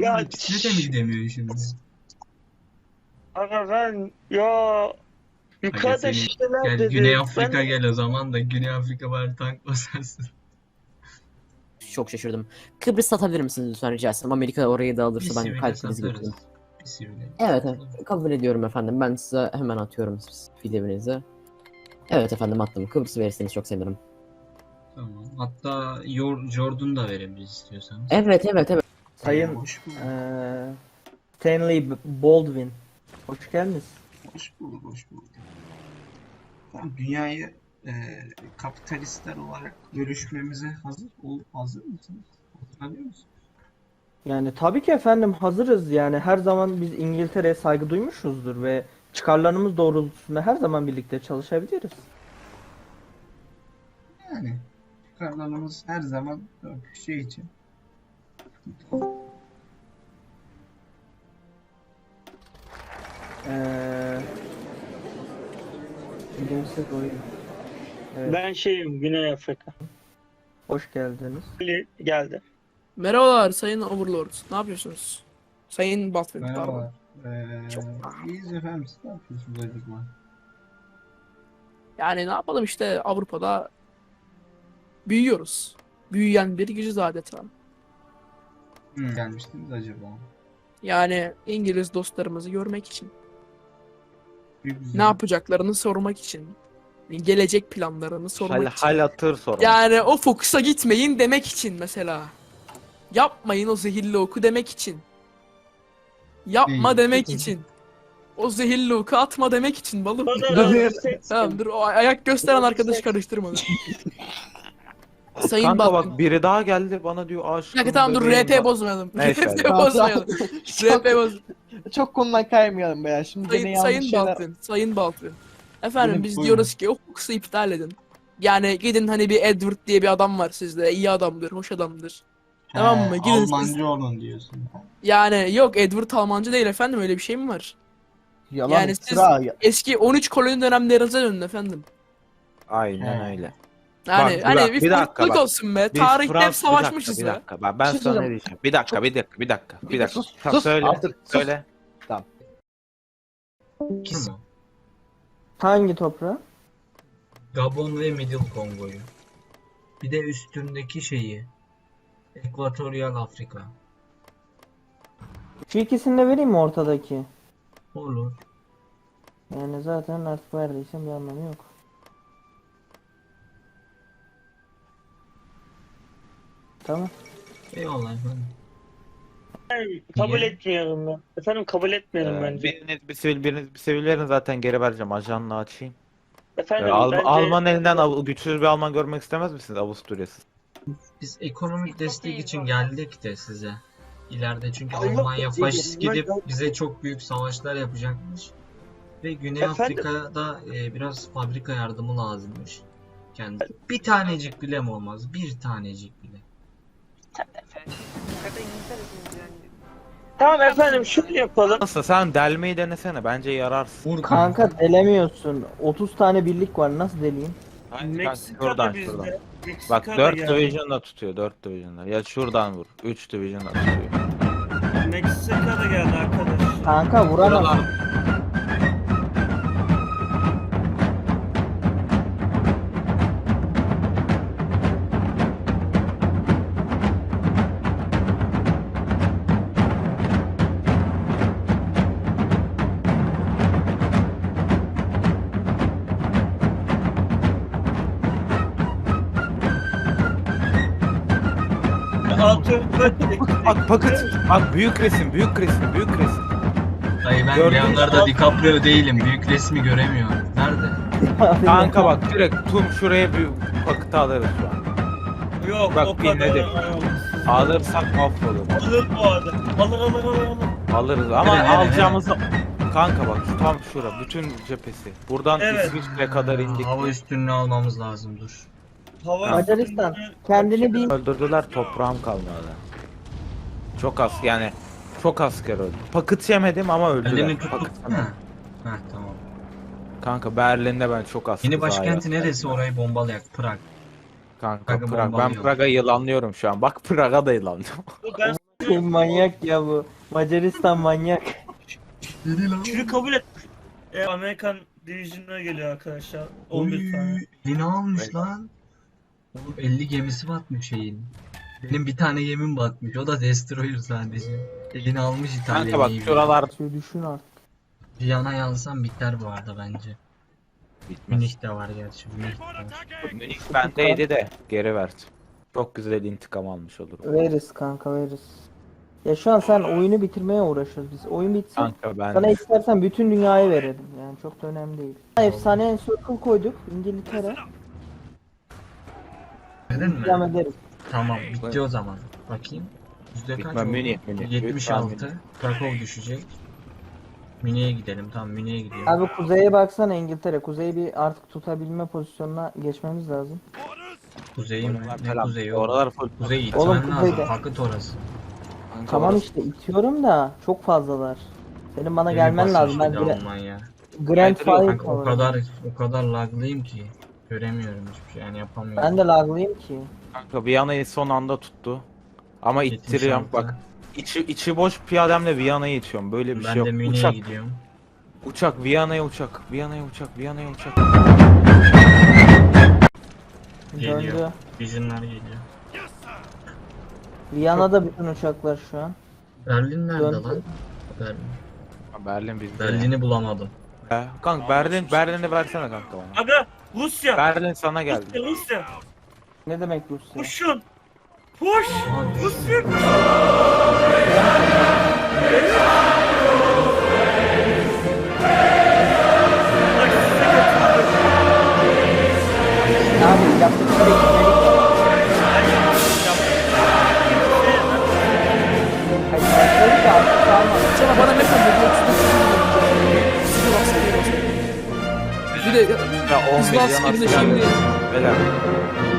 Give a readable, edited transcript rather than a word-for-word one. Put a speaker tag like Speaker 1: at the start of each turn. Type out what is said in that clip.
Speaker 1: Ya
Speaker 2: İkisine de mi gidemiyor şimdi?
Speaker 1: aga ben ya
Speaker 2: Aga
Speaker 1: yukarıda
Speaker 2: seni
Speaker 1: şişeler
Speaker 2: gel Güney
Speaker 1: dedi.
Speaker 2: Afrika gel o zaman da Güney Afrika bari tank basarsın.
Speaker 3: Çok şaşırdım. Kıbrıs satabilir misiniz lütfen rica etsem? Amerika orayı da
Speaker 2: Bir
Speaker 3: alırsa ben
Speaker 2: sivile
Speaker 3: kalp krizi
Speaker 2: satarız.
Speaker 3: geçiririm.
Speaker 2: Bir sivile.
Speaker 3: Evet, evet. Kabul ediyorum efendim. Ben size hemen atıyorum filminizi. Evet efendim attım. Kıbrıs'ı verirseniz çok sevinirim.
Speaker 2: Tamam. Hatta Jordan da verebiliriz istiyorsanız.
Speaker 3: Evet, evet, evet.
Speaker 4: Sayın
Speaker 2: Hoş bulduk.
Speaker 4: Stanley Baldwin. Hoş geldiniz.
Speaker 2: Hoş bulduk, hoş bulduk. Tamam, dünyayı kapitalistler olarak bölüşmemize hazır mısınız? Hatırlıyor musunuz?
Speaker 4: Yani tabii ki efendim hazırız. Yani her zaman biz İngiltere'ye saygı duymuşuzdur ve çıkarlarımız doğrultusunda her zaman birlikte çalışabiliriz.
Speaker 2: Yani çıkarlarımız her zaman şey için.
Speaker 4: Bilimsel oyun. Evet.
Speaker 1: Ben şeyim Güney Afrika.
Speaker 4: Hoş geldiniz.
Speaker 1: Geldi.
Speaker 5: Merhabalar Sayın Overlord. Ne yapıyorsunuz? Sayın Baldwin, pardon.
Speaker 2: Merhaba.
Speaker 5: Çok-
Speaker 2: İyiyiz efendim. Siz ne yapıyorsunuz acaba?
Speaker 5: Yani ne yapalım işte Avrupa'da büyüyoruz. Büyüyen bir gücüz adeta.
Speaker 2: Gelmiştiniz acaba?
Speaker 5: Yani İngiliz dostlarımızı görmek için.
Speaker 2: Güzel.
Speaker 5: Ne yapacaklarını sormak için. Gelecek planlarını sormak için.
Speaker 6: Hal hatır sorun.
Speaker 5: Yani o fokusa gitmeyin demek için mesela. Yapmayın o zehirli oku demek için. Yapma
Speaker 2: İyi.
Speaker 5: demek için. O zehirli oku atma demek için balım. Tamam dur o ayak gösteren arkadaşı karıştırma. Sayın
Speaker 6: Kanka
Speaker 5: Baldwin.
Speaker 6: bak biri daha geldi bana diyor
Speaker 5: Bir
Speaker 6: aşkım.
Speaker 5: dakika tamam dur
Speaker 6: bebeğim
Speaker 5: RP
Speaker 6: var."
Speaker 5: bozmayalım.
Speaker 6: Neyse,
Speaker 5: RP
Speaker 6: hadi.
Speaker 5: bozmayalım. RP boz.
Speaker 7: Çok konudan kaymayalım be ya. Şimdi gene yanlış
Speaker 5: Sayın
Speaker 7: şeyler...
Speaker 5: Baldwin. Sayın Baldwin. Efendim
Speaker 2: Buyurun,
Speaker 5: biz
Speaker 2: buyurun.
Speaker 5: diyoruz ki o fokusu iptal edin. Yani gidin hani bir Edward diye bir adam var sizde. İyi adamdır, hoş adamdır. Tamam mı? Gidin siz.
Speaker 2: Almancı olun diyorsun.
Speaker 5: Yani yok Edward Almancı değil efendim öyle bir şey mi var?
Speaker 7: Yalan
Speaker 5: Yani siz-
Speaker 7: iftira.
Speaker 5: Eski 13 koloni dönemlerinize dönün efendim.
Speaker 6: Aynen
Speaker 2: He.
Speaker 6: öyle.
Speaker 5: Yani
Speaker 6: Bak,
Speaker 5: hani
Speaker 6: Burak,
Speaker 5: bir
Speaker 6: bir dakika
Speaker 5: farklılık
Speaker 6: bak.
Speaker 5: olsun be.
Speaker 6: Biz
Speaker 5: Tarihte hep
Speaker 6: bir dakika,
Speaker 5: savaşmışız
Speaker 6: bir
Speaker 5: be.
Speaker 6: dakika. Ben
Speaker 7: Bir şey
Speaker 6: sana ne
Speaker 7: söyleyeceğim.
Speaker 6: diyeceğim? Bir dakika.
Speaker 7: Sus,
Speaker 6: Tamam,
Speaker 7: sus.
Speaker 6: söyle.
Speaker 7: Artık sus.
Speaker 6: Söyle.
Speaker 2: Kim o?
Speaker 4: Hangi toprağı?
Speaker 2: Gabon ve Middle Kongo'yu. Bir de üstündeki şeyi. Ekvatoryal Afrika.
Speaker 4: Şu ikisini de vereyim mi ortadaki?
Speaker 2: Olur.
Speaker 4: Yani zaten artık verdiysem bir anlamı yok. Tamam.
Speaker 2: Eyvallah efendim.
Speaker 1: Kabul
Speaker 2: Niye?
Speaker 1: etmiyorum ben. Efendim kabul etmiyorum bence.
Speaker 6: Biriniz bir sivil verin zaten geri vereceğim. Ajanla açayım.
Speaker 1: Efendim bence
Speaker 6: Alman elinden güçsüz bir Alman görmek istemez misiniz Avusturya'sız?
Speaker 2: Biz ekonomik destek için geldik de size. İleride çünkü
Speaker 1: Allah
Speaker 2: Almanya
Speaker 1: korusun,
Speaker 2: faşist
Speaker 1: ben-
Speaker 2: gidip bize çok büyük savaşlar yapacakmış. Ve Güney
Speaker 1: Efendim?
Speaker 2: Afrika'da biraz fabrika yardımı lazımmış. Kendi. Bir tanecik bile mi olmaz? Bir tanecik bile.
Speaker 1: Tamam efendim şunu yapalım.
Speaker 6: Nasıl sen delmeyi denesene bence yararsın.
Speaker 2: Vur
Speaker 4: Kanka delemiyorsun. 30 tane birlik var. Nasıl deleyim?
Speaker 6: Hayır,
Speaker 1: Meksika
Speaker 6: şuradan
Speaker 1: da bizde.
Speaker 6: şuradan.
Speaker 1: Meksika
Speaker 6: Bak
Speaker 1: da
Speaker 6: 4
Speaker 1: geldi.
Speaker 6: division'la tutuyor 4 division'la. Ya şuradan vur. 3 division'la tutuyor.
Speaker 1: Meksika da geldi arkadaş.
Speaker 4: Kanka vuramaz.
Speaker 6: Buralar- Bak paket. Bak büyük resim.
Speaker 2: Dayı ben
Speaker 6: Gördün mü?
Speaker 2: Leonardo DiCaprio değilim. Büyük resmi göremiyorum. Nerede?
Speaker 6: Kanka bak direkt şuraya bir paket alırız şu an.
Speaker 1: Yok
Speaker 6: Bak,
Speaker 1: o kadar.
Speaker 6: dinledim. Alırsak mahvolur.
Speaker 1: Alır bu arada. Alır.
Speaker 6: Alırız ama
Speaker 2: Nereye,
Speaker 6: alacağımız kanka bak tam şura bütün cephesi. Buradan
Speaker 1: Evet.
Speaker 6: İsviçre kadar indik.
Speaker 2: Hava üstünlüğü almamız lazım dur.
Speaker 1: Hava
Speaker 4: Macaristan kendini bir
Speaker 6: Öldürdüler toprağım kalmadı. Çok az yani çok asker öldü. Paket yemedim ama öldüler.
Speaker 2: Berlin'i tuttuk.
Speaker 6: Paket
Speaker 2: Ha.
Speaker 6: yemedim.
Speaker 2: Ha tamam.
Speaker 6: Kanka Berlin'de ben çok az.
Speaker 2: Yeni
Speaker 6: kız
Speaker 2: başkenti
Speaker 6: ayak-
Speaker 2: neresi orayı bombalayak? Prag.
Speaker 6: Kanka
Speaker 2: Prag'ı
Speaker 6: Prag. Ben
Speaker 2: bombalıyor.
Speaker 6: Prag'a yılanlıyorum şu an. Bak Prag'a da yılanlıyorum.
Speaker 1: Ben
Speaker 4: koyayım, manyak ya bu. Macaristan manyak.
Speaker 1: Şunu kabul et. Amerikan Division'a geliyor arkadaşlar. 11 tane.
Speaker 2: Yeni almış lan. Oğlum 50 gemisi batmış şeyin. Benim bir tane gemim batmış. O da Destroyer sadece. Yeni almış
Speaker 6: Kanka bak
Speaker 2: İtalya'yı.
Speaker 6: şuralar
Speaker 4: Şöyle düşün artık.
Speaker 2: Viyana'yı alsam biter bu arada bence.
Speaker 6: bitmez.
Speaker 2: Münih de var gerçi. Münih de var.
Speaker 6: Münih bendeydi de geri verdi. Çok güzel intikam almış olurum.
Speaker 4: Veririz kanka, veririz. Ya şu an sen oyunu bitirmeye uğraşıyoruz biz. Oyun bitsin.
Speaker 6: Kanka ben
Speaker 4: Sana istersen bütün dünyayı verelim. Yani çok da önemli değil. Efsane circle koyduk İngiltere.
Speaker 2: Dedin mi?
Speaker 4: Devam ederiz.
Speaker 2: Tamam bitti o zaman. Bakayım. Yüzde kaç
Speaker 6: Bitmem,
Speaker 2: oldu?
Speaker 6: Münih, Münih.
Speaker 2: 76. Krakow düşecek. Münih'e gidelim. Tamam Münih'e gidiyorum.
Speaker 4: Abi kuzeye baksana İngiltere. Kuzeyi bir artık tutabilme pozisyonuna geçmemiz lazım.
Speaker 2: Kuzey mi?
Speaker 6: oralar
Speaker 2: Ne
Speaker 6: falan.
Speaker 2: kuzeyi oğlum?
Speaker 6: Oralar full.
Speaker 2: Kuzey
Speaker 4: Oğlum,
Speaker 2: itmen lazım.
Speaker 4: kuzeyde.
Speaker 2: Fakıt orası.
Speaker 6: Kanka
Speaker 4: Tamam
Speaker 6: orası-
Speaker 4: işte itiyorum da çok fazlalar. Senin bana
Speaker 2: Beni
Speaker 4: gelmen
Speaker 2: basmış
Speaker 4: lazım. Ben
Speaker 2: bir de
Speaker 4: Grand
Speaker 2: Almanya.
Speaker 6: Kanka,
Speaker 4: Fire
Speaker 2: Kanka o kadar laglıyım ki göremiyorum hiçbir şey yani yapamıyorum.
Speaker 4: Ben de laglıyım ki.
Speaker 6: Kanka Viyana'yı son anda tuttu. Ama
Speaker 2: 76.
Speaker 6: ittiriyorum bak. İçi boş piyademle Viyana'yı itiyorum. Böyle bir
Speaker 2: Ben
Speaker 6: şey yok.
Speaker 2: de Münih'e
Speaker 6: Uçak,
Speaker 2: gidiyorum.
Speaker 6: uçak, Viyana'ya uçak, Viyana'ya uçak, Viyana'ya uçak.
Speaker 2: Geliyor.
Speaker 4: Döndü.
Speaker 2: Vision'lar geliyor.
Speaker 4: Viyana'da bütün uçaklar şu an.
Speaker 2: Berlin nerede
Speaker 4: Döndü.
Speaker 2: lan? Berlin.
Speaker 6: Berlin bizde.
Speaker 2: Berlin'i bulamadım.
Speaker 6: Kanka Berlin'i versene kanka bana.
Speaker 1: Aga Rusya.
Speaker 6: Berlin sana geldi.
Speaker 1: Rusya.
Speaker 4: Ne demek Rusya?
Speaker 1: Koşun. Koş.
Speaker 2: Aa,
Speaker 1: Rusya.
Speaker 4: Abi yaptıkları iyilik var. Hayır, yaptıkları da artık kalmadı.
Speaker 5: Sana bana ne kadar Bir de
Speaker 6: Ya 10
Speaker 5: hızlı
Speaker 6: milyon
Speaker 5: askerinde
Speaker 6: asker.
Speaker 5: şimdi
Speaker 6: Beyler.